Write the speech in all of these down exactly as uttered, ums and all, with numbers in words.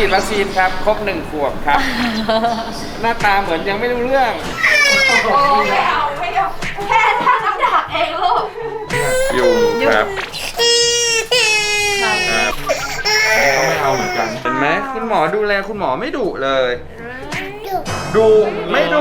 ฉีดวัคซีนครับครบหนึ่งขวบครับ หน้าตาเหมือนยังไม่รู้เรื่องโอ้ไม่เอาไม่เอาแค่ท่าน้ำดักเองลูกอยู่ครับครับก็ไม่เอาเหมือนกันเห็นไหมคุณหมอดูแลคุณหมอไม่ดุเลยดุไม่ดุ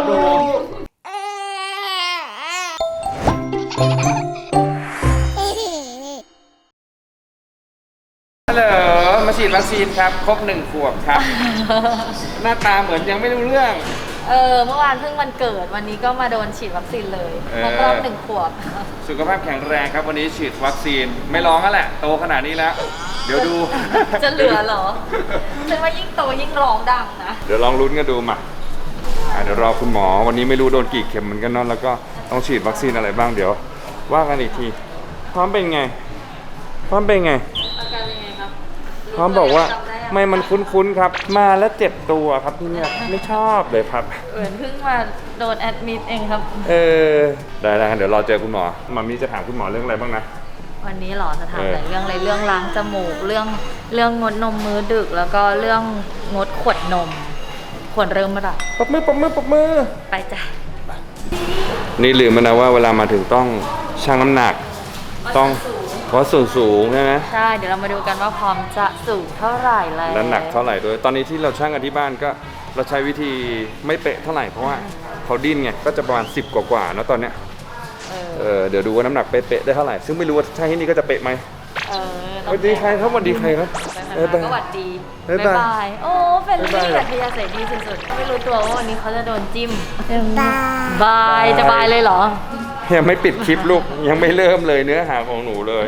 ฮัลโหลมาฉีดวัคซีนครับครบหนึ่งขวบครับ หน้าตาเหมือนยังไม่รู้เรื่องเออเมื่อวานเพิ่งวันเกิดวันนี้ก็มาโดนฉีดวัคซีนเลยครบรอบหนึ่งขวบสุขภาพแข็งแรงครับวันนี้ฉีดวัคซีนไม่ร้องแล้วแหละโตขนาดนี้แล้วเดี๋ยวดูจะเหลือเหรอฉันว่ายิ่งโตยิ่งร้องดังนะเดี๋ยวลองลุ้นกันดูมาเดี๋ยวรอคุณหมอวันนี้ไม่รู้โดนกี่เข็มเหมือนกันเนาะแล้วก็ต้องฉีดวัคซีนอะไรบ้างเดี๋ยวว่ากันอีกทีพร้อมเป็นไงพร้อมเป็นไงอาการเป็นไงครับพร้อมบอกว่าไม่มันคุ้นๆครับมาแล้วเจ็บตัวครับที่เนี่ยไม่ชอบเลยครับเหมือนเพิ่งมาโดนแอดมิดเองครับเออได้ได้เดี๋ยวรอเจอคุณหมอมามีจะถามคุณหมอเรื่องอะไรบ้างนะวันนี้หรอจะถามหลายเรื่องเลยเรื่องล้างจมูกเรื่องเรื่องงดนมมื้อดึกแล้วก็เรื่องงดขวดนมควรเริ่มเมื่อไหร่ปรบมือปรบมือปรบมือไปจ้ะนี่ลืมไปนะว่าเวลามาถึงต้องชั่งน้ำหนักต้องเพราะส่วนสูงใช่ไหมใช่เดี๋ยวเรามาดูกันว่าพร้อมจะสูงเท่าไหร่แล้วและหนักเท่าไหร่ด้วยตอนนี้ที่เราชั่งกันที่บ้านก็เราใช้วิธีไม่เป๊ะเท่าไหร่เพราะว่าเขาดิ้นไงก็จะประมาณสิบกว่าๆนะตอนเนี้ยเออเดี๋ยวดูว่าน้ำหนักเป๊ะๆได้เท่าไหร่ซึ่งไม่รู้ว่าใช่ที่นี่ก็จะเป๊ะไหมเออสวัสดีใครครับสวัสดีใครครับเออก็สวัสดีบ๊ายบายโอ้เป็นลี่อัธยาศัยดีสุดๆไม่รู้ตัวว่าวันนี้เขาจะโดนจิ้มบายจะบายเลยเหรอยังไม่ปิดคลิปลูกยังไม่เริ่มเลยเนื้อหาของหนูเลย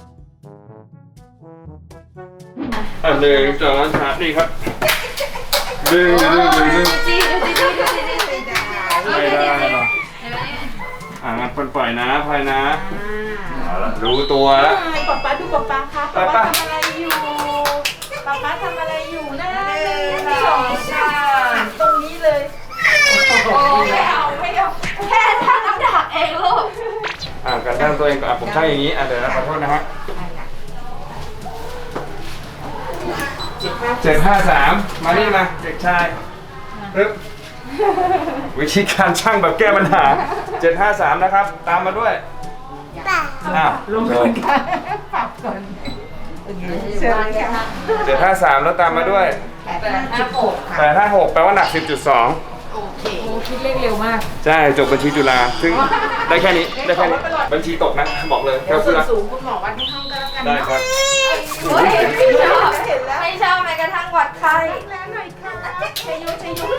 อันหนึ่งสองสามนี่ครับดึงดึงดึงดึงจีจีจีจีจีจีไม่ได้หรออ่างั้นปล่อยนะพลอยนะรู้ตัวแล้วป๊าป๊าดูป๊าป๊าครับป๊าป๊าทำอะไรอยู่ป๊าป๊าทำอะไรอยู่นะหนึ่งสองสามตรงนี้เลยโอ้ไม่เอาไม่เอาแค่ท่าน้ำดักเองลูกอ่าการตั้งตัวเองก่อนผมใช่อย่างนี้อ่ะเดี๋ยวนะขอโทษนะฮะเจ็ดห้าสามมานี่มาเด็กชายปึ๊บวิธีการช่างแบบแก้ปัญหาเจ็ดห้าสามนะครับตามมาด้วยอ้าวลงกันปรับก่อนเจ็ดห้าสามแล้วตามมาด้วยแปดห้าหกแปดห้าหกแปลว่าหนักสิบจุดสองโอเคโอ้คิดเลขเร็วมากใช่จบบัญชีจุฬาซึ่งได้แค่นี้ได้แค่นี้บัญชีตกนะบอกเลยแล้วส่วนสูงคุณหมอวัดที่ห้องก็แล้วกันได้ครับไม่ชอบไม่ชอบแม้กระทั่งวัดไข้แล้วหน่อยค่ะชัยโยชัยโย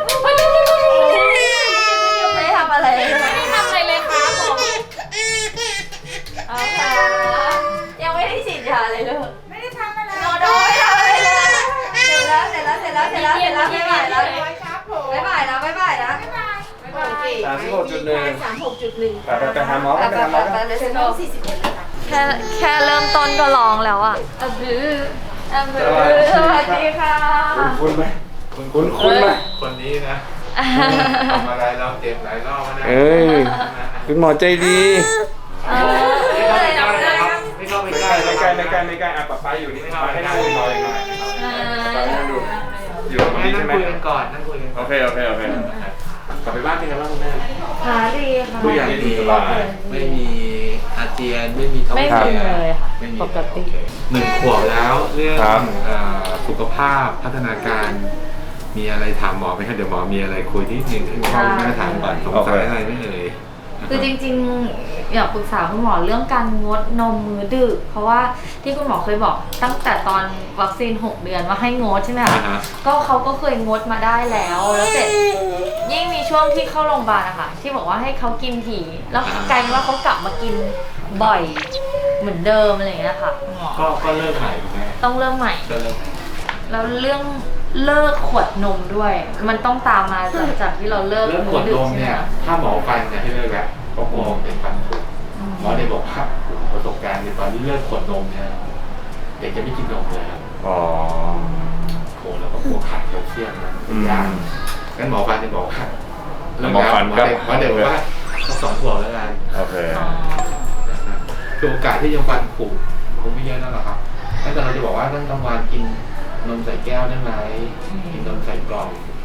ไม่ทำอะไรไม่ทำอะไรเลยค่ะผมเอาค่ะยังไม่ได้ฉีดยาเลยลูกไม่ได้ทำอะไรโดนโดนไม่ทำอะไรเลยเสร็จแล้วเสร็จแล้วเสร็จแล้วเสร็จแล้วเสร็จแล้วไม่ไหวแล้วไม่ไหวแล้วไม่ไหวแล้วสามสิบหกจุดหนึ่งสามหกจุดหนึ่งไปไปหาหมอไปหาหมอสี่สิบเอ็ดแค่แค่เริ่มต้นก็ร้องแล้วอ่ะอะบื้ออะบื้อสวัสดีค่ะคุณไหมคุณคุณคุณไหมคนนี้นะทำอะไรเราเจ็บหลายรอบนะเอ้ยคุณหมอใจดีไม่เข้าไปใกล้ไม่เข้าไปใกล้ไม่ใกล้ไม่ใกล้ไม่ใกล้อ่ะป๊าป๊าอยู่นี่ป๊าให้นั่งรอยังไงป๊าให้นั่งดูอยู่ตรงนี้ใช่ไหมนั่งคุยกันก่อนนั่งคุยกันโอเคโอเคโอเคกลับไปบ้านเป็นไงบ้างคุณแม่ขาดีค่ะทุกอย่างดีสบายไม่มีอาเจียนไม่มีท้องเสียเลยค่ะปกติหนึ่งขวบแล้วเรื่องสุขภาพพัฒนาการมีอะไรถามหมอไหมครับเดี๋ยวหมอมีอะไรคุยที่หนึ่งให้พ่อแม่ถามก่อนสงสัยอะไรไม่เลยคือจริงๆอยากปรึกษาคุณหมอเรื่องการงดนมมื้อดึกเพราะว่าที่คุณหมอเคยบอกตั้งแต่ตอนวัคซีนหกเดือนว่าให้งดใช่ไหมคะก็เขาก็เคยงดมาได้แล้วแล้วเสร็จยิ่งมีช่วงที่เข้าโรงพยาบาลอะค่ะที่บอกว่าให้เขากินถี่แล้วกลายเป็นว่าเขากลับมากินบ่อยเหมือนเดิมอะไรอย่างเงี้ยค่ะคุณหมอก็ก็เลิกใหม่ถูกไหมต้องเริ่มใหม่ก็เลิกแล้วเรื่องเลิกขวดนมด้วยมันต้องตามมาหลังจากที่เราเลิกเลิกขวดนมเนี่ยถ้าหมอฟันจะให้เลิกแล้วก็มองเป็นฟันผุหมอได้บอกว่าประสบการณ์ในตอนที่เลิกขวดนมเนี่ยเด็กจะไม่กินนมเลยครับอ๋อโหแล้วก็พวกขาดแคลเซียมนะยากงั้นหมอฟันจะบอกว่าหมอฟันก็หมอเด็กว่าสองขวบแล้วกันโอเคคือโอกาสที่จะฟันผุคงไม่เยอะนั่นหรอกครับถ้าเกิดเราจะบอกว่าต้องต้องวานกินนมใส่แก้วได้ไหม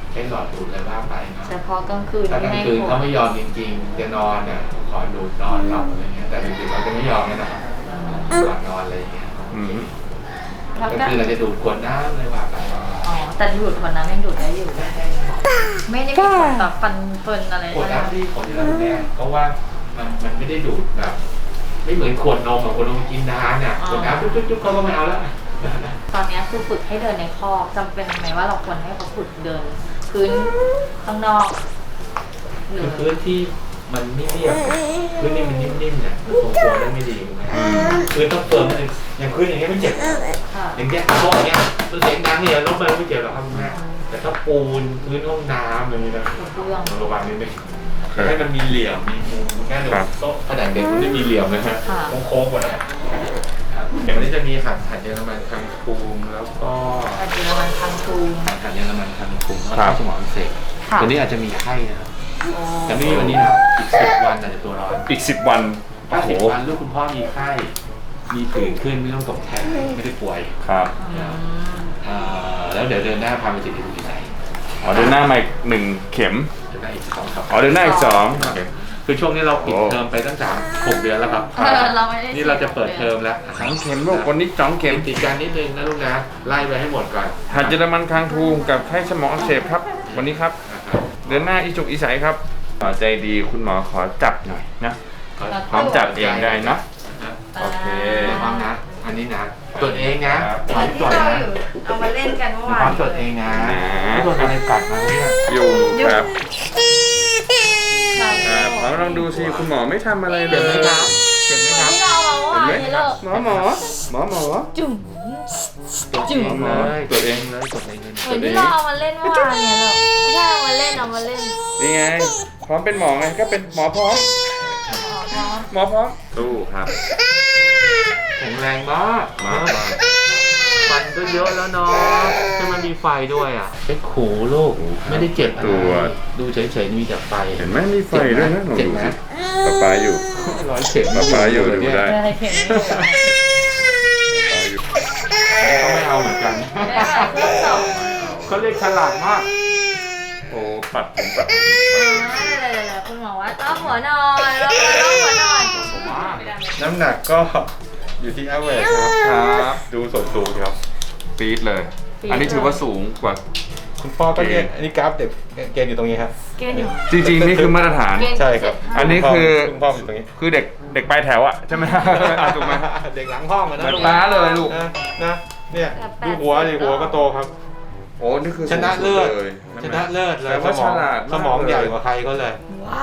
ใช้หลอดดูดอะไรบ้างไปเนาะเฉพาะกลางคืนถ้ากลางคืนผเขาไม่ยอมจริงๆจะนอนเนี่ยขอดูดนอนหลับอะไรเงี้ยแต่ดึกๆเราจะไม่ยอมแน่นอนก่อนนอนอะไรเงี้ยอืมแล้วก็ก็คือเราจะดูดขวดน้ำอะไรว่าไปอ๋อแต่ดูดคนนั้นยังดูดได้อยู่ไม่ได้มีผลต่อฟันเฟินอะไรขวดน้ำที่ของที่เราเนี่ยเพราะว่ามันมันไม่ได้ดูดแบบไม่เหมือนขวดนมอะขวดนมกินนานอ่ะขวดน้ำจุ๊บๆเขาก็ไม่เอาแล้วตอนนี้คือฝึกให้เดินในคอกจำเป็นไหมว่าเราควรให้เขาฝึกเดินพื้นข้างนอกหรือพื้นที่มันไม่เรียบพื้นที่มันนิ่มๆเนี่ยทรงตัวได้ไม่ดีนะพื้นต้องเฟิร์มนิดนึงอย่างพื้นอย่างเงี้ยไม่เจ็บค่ะอย่างเงี้ยโต๊ะอย่างเงี้ยมันเสียงดังเนี่ยรถมันไม่เจ็บหรอกครับคุณแม่แต่ถ้าปูนพื้นห้องน้ำอย่างนี้นะเรื่องระวังนิดนึงให้มันมีเหลี่ยมมีมุมคุณแม่ดูโต๊ะผนังเด็กมันไม่มีเหลี่ยมนะฮะโค้งๆหมดเลยอย่างนี้จะมีหัดหัดเยอรมันคังคูมแล้วก็อาจจะมันทางทูมหัดเยอรมันคังคูมแล้วก็สมองเสกค่ะตัวนี้อาจจะมีไข้นะครับแต่ไม่มีวันนี้นะอีกสิบวันอาจจะตัวร้อนอีกสิบวันถ้าโอ้โหสิบวันลูกคุณพ่อมีไข้ มีผื่นขึ้นไม่ต้องตกแทนไม่ได้ป่วยครับอืมอ่าแล้วเดี๋ยวเดินหน้าพาไปจิตวิทยาอ๋อเดินหน้ามาอีกหนึ่งเข็มเดินหน้าอีกสองครับอ๋อเดินหน้าอีกสองคือช่วงนี้เราปิดโอ้เทอมไปตั้งแต่หกเดือนแล้วครับเออเราไม่ได้นี่เราจะเปิดเทอมแล้วสองเข็มลูกวันนี้สองเข็มติดกันนิดนึงนะลูกนะไล่ไปให้หมดก่อนหัดเยอรมันคางทูมกับไข้สมองอักเสบครับ วันนี้ครับนะครับเดินหน้าอีจุกอีใสครับหมอใจดีคุณหมอขอจับหน่อยนะ พร้อมจับเองได้นะ โอเคพร้อมนะ อันนี้นะตรวจเองนะครับ พร้อมที่ตรวจเรานะอยู่เอามาเล่นกันเมื่อวาพร้อน มตรวจเองนะไม่โดนอะไรกัดมาเนี่ยอยู่ครับค่ะอ่าพร้อมลองดูสิคุณหมอไม่ทำอะไรเลเจ็บยไหมครับเจ็บไหมครับที่เราเอาเมื่อเห็นวานไหมนี้เลิกหมอหมอหมอหมอจุ่มตรวจเองเลยตรวจเองเลยตรวจเองเลยเหมือนที่เราเอามาเล่นเมื่อวานเนี่ยเลิกไม่ใช่เอามาเล่นเอามาเล่นนี่ไง พร้อมเป็นหมอไงก็เป็นหมอพร้อม หมอพร้อมสู้ครับแข็งแรงมากมากมากฟันก็เยอะแล้วเนาะให้มันมีไฟด้วยอ่ะเป็นขูลูกไม่ได้เจ็บอะไรดูเฉยๆมีแต่ไฟเห็นไหมมีไฟด้วยนะลองเจ็บดูไหมสิป๊าป๊าอยู่ร้อยเข็มป๊าป๊าอยู่ดูได้อะไรเข็มไม่ถูกป๊าอยู่เขาไม่เอาเหมือนกันไม่ได้เครื่องสองเขาเรียกฉลาดมากโอ้ปัดผมปัดผมอะไรๆๆคุณหมอว่าต้องหัวนอนแล้วก็ต้องหัวนอนน้ำหนักก็อยู่ที่ average ครับครับดูส่วนสูงครับปี๊ดเลย อันนี้ถือว่าสูงกว่าคุณพ่อก็เนี่ยอันนี้กราฟเด็กเกณฑ์อยู่ตรงนี้ครับเกณฑ์อยู่จริงๆนี่คือมาตรฐานเกณฑ์ใช่ครับอันนี้คือคุณพ่ออยู่ตรงนี้คือเด็กเด็กปลายแถวอะใช่ไหม ถูกไหมเด็กหลังห้องอะนะเหมือนป๊าเลยลูกนะนะเนี่ยดูหัวดิหัวก็โตครับโอ้นี่คือชนะเลิศสูงสุดยชนะเลิศเลยแต่ว่าสมองฉลาดมากสมองเลยใหญ่กว่าใครเขาเลยว้าว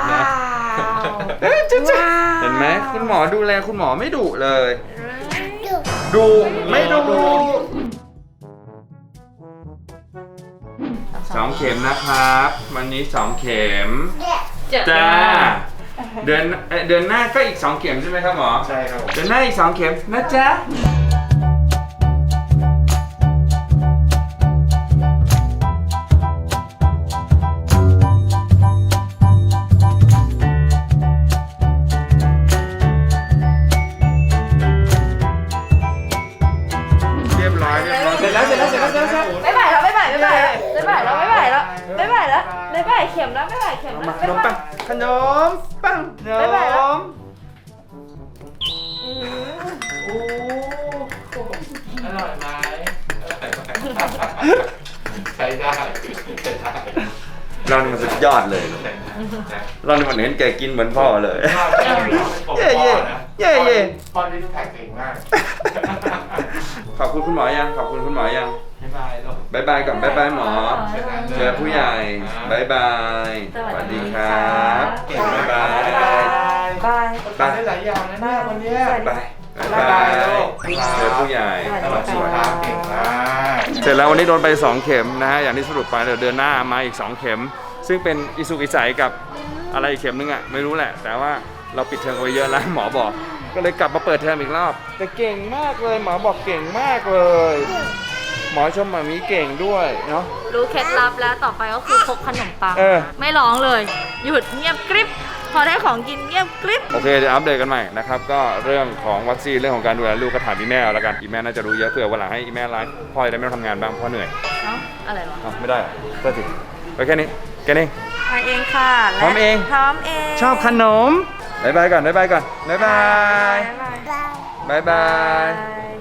เห็นไหมคุณหมอดูแลคุณหมอไม่ดุเลยดูไม่ดุสองเข็มนะครับ วันนี้สองเข็ม จ้า เดือนเอ่อเดือนหน้าก็อีกสองเข็มใช่ไหมครับหมอใช่ครับผมเดือนหน้าอีกสองเข็มนะจ๊ะ เรียบร้อยเรียบร้อยเสร็จแล้วเสร็จแล้วเสร็จแล้วเสร็จแล้วไม่ไหวแล้วไม่ไหวไม่ไหวแล้วไม่ไหวแล้วไม่ไหวแล้วไม่ไหวแล้วไม่ไหวเข็มแล้วไม่ไหวเข็มแล้วมาขไม่นมไหวปังขนมปังขนบ๊ายบายแล้วมโอ้อร่อยไหมใช้ได้ใช้ได้เรานี่มันสุดยอดเลย เรานี่มันเห็นแกกินเหมือนพ่อเลย เย่เย่เย่เย่พ่อที่แท็กเก่งมากขอบคุณคุณหมอยัง ขอบคุณคุณหมอยังบ๊ายบายลูกบายบายก่อนบายบายหมอ เจอผู้ใหญ่บายบาย สวัสดีครับบายบายบายทำได้หลายอย่างนะเนี่ยวันเนี้ยบายบายบายเจอผู้ใหญ่สวัสดีครับเก่งมากเสร็จแล้ววันนี้โดนไปสองเข็มนะฮะ อย่างที่สรุปไปเดี๋ยวเดือนหน้ามาอีกสองเข็ม ซึ่งเป็นอิสุกอิสัยกับอะไรอีกเข็มนึงอ่ะไม่รู้แหละ แต่ว่าเราปิดเทอมกันไปเยอะแล้วหมอบอก ก็เลยกลับมาเปิดเทอมอีกรอบ แต่เก่งมากเลยหมอบอกเก่งมากเลย หมอชมหมามีเก่งด้วยเนาะรู้เคล็ดลับแล้วต่อไปก็คือพกขนมปังเออไม่ร้องเลย หยุดเงียบกริบพอได้ของกินเงียบกริบโอเคเดี๋ยวอัปเดตกันใหม่นะครับก็เรื่องของวัคซีนเรื่องของการดูแลลูกก็ถามอีแม่เอาละกันอีแม่น่าจะรู้เยอะเผื่อวันหลังให้อีแม่ไลฟ์พ่อจะได้ไม่ต้องทำงานบ้างพ่อเหนื่อยเนาะอะไรวะอ้าวไม่ได้เหรอก็สิไปแค่นี้แค่นี้ไปเองค่ะพร้อมเองพร้อมเองชอบขนมบายบายก่อนบายบายก่อนบายบายบ๊ายบายบายบายบาย